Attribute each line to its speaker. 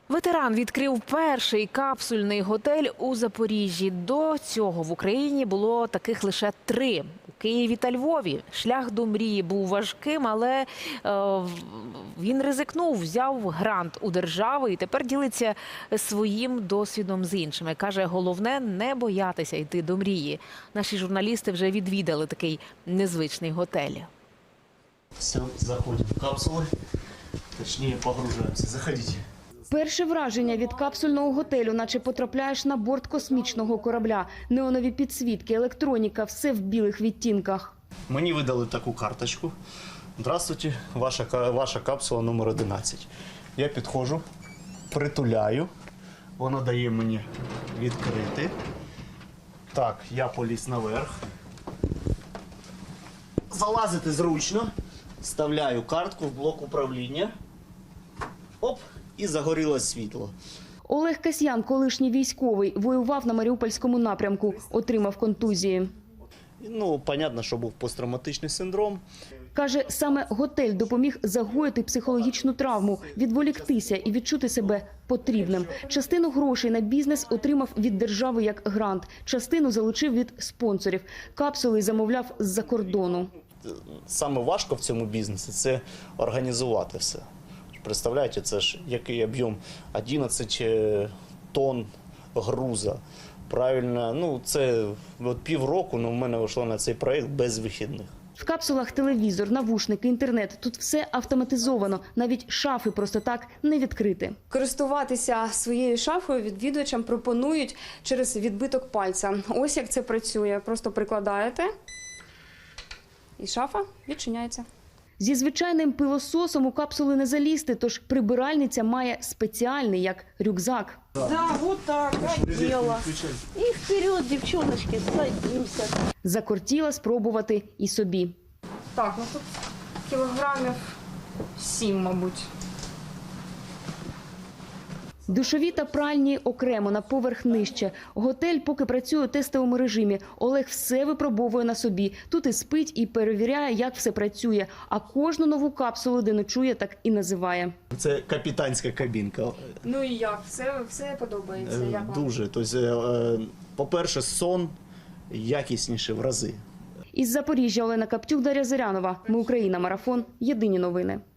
Speaker 1: Ветеран відкрив перший капсульний готель у Запоріжжі. До цього в Україні було таких лише 3 – у Києві та Львові. Шлях до мрії був важким, але він ризикнув, взяв грант у держави і тепер ділиться своїм досвідом з іншими. Каже, головне – не боятися йти до мрії. Наші журналісти вже відвідали такий незвичний готель.
Speaker 2: Все, заходим в капсулы, точнее погружаемся. Заходите.
Speaker 3: Перше враження від капсульного готелю, наче потрапляєш на борт космічного корабля. Неонові підсвітки, електроніка – все в білих відтінках.
Speaker 2: Мені видали таку карточку. Здравствуйте, ваша капсула номер 11. Я підходжу, притуляю. Воно дає мені відкрити. Так, я поліз наверх. Залазити зручно. Вставляю картку в блок управління. Оп, і загорілось світло.
Speaker 3: Олег Касьян, колишній військовий, воював на Маріупольському напрямку, отримав контузії.
Speaker 2: Ну, понятно, що був посттравматичний синдром.
Speaker 3: Каже, саме готель допоміг загоїти психологічну травму, відволіктися і відчути себе потрібним. Частину грошей на бізнес отримав від держави як грант, частину залучив від спонсорів. Капсули замовляв з-за кордону.
Speaker 2: Саме важко в цьому бізнесі – це організувати все. Представляєте, це ж який об'єм? 11 тонн груза. Правильно, ну це от півроку, в мене вийшло на цей проєкт без вихідних.
Speaker 3: В капсулах телевізор, навушники, інтернет. Тут все автоматизовано. Навіть шафи просто так не відкрити.
Speaker 4: Користуватися своєю шафою відвідувачам пропонують через відбиток пальця. Ось як це працює. Просто прикладаєте і шафа відчиняється.
Speaker 3: Зі звичайним пилососом у капсули не залізти, тож прибиральниця має спеціальний, як рюкзак.
Speaker 5: Да, вот так, одела. И вперед, девчоночки, садимся.
Speaker 3: Закортіла спробувати і собі.
Speaker 4: Так, ну тут кілограмів 7, мабуть.
Speaker 3: Душові та пральні окремо, на поверх нижче. Готель поки працює у тестовому режимі. Олег все випробовує на собі. Тут і спить, і перевіряє, як все працює. А кожну нову капсулу, де ночує, так і називає.
Speaker 2: Це капітанська кабінка.
Speaker 4: Ну і як? Все подобається? Як вам?
Speaker 2: Дуже. Тобто, по-перше, сон якісніше в рази.
Speaker 3: Із Запоріжжя Олена Каптюк, Дар'я Зирянова. Ми Україна. Марафон. Єдині новини.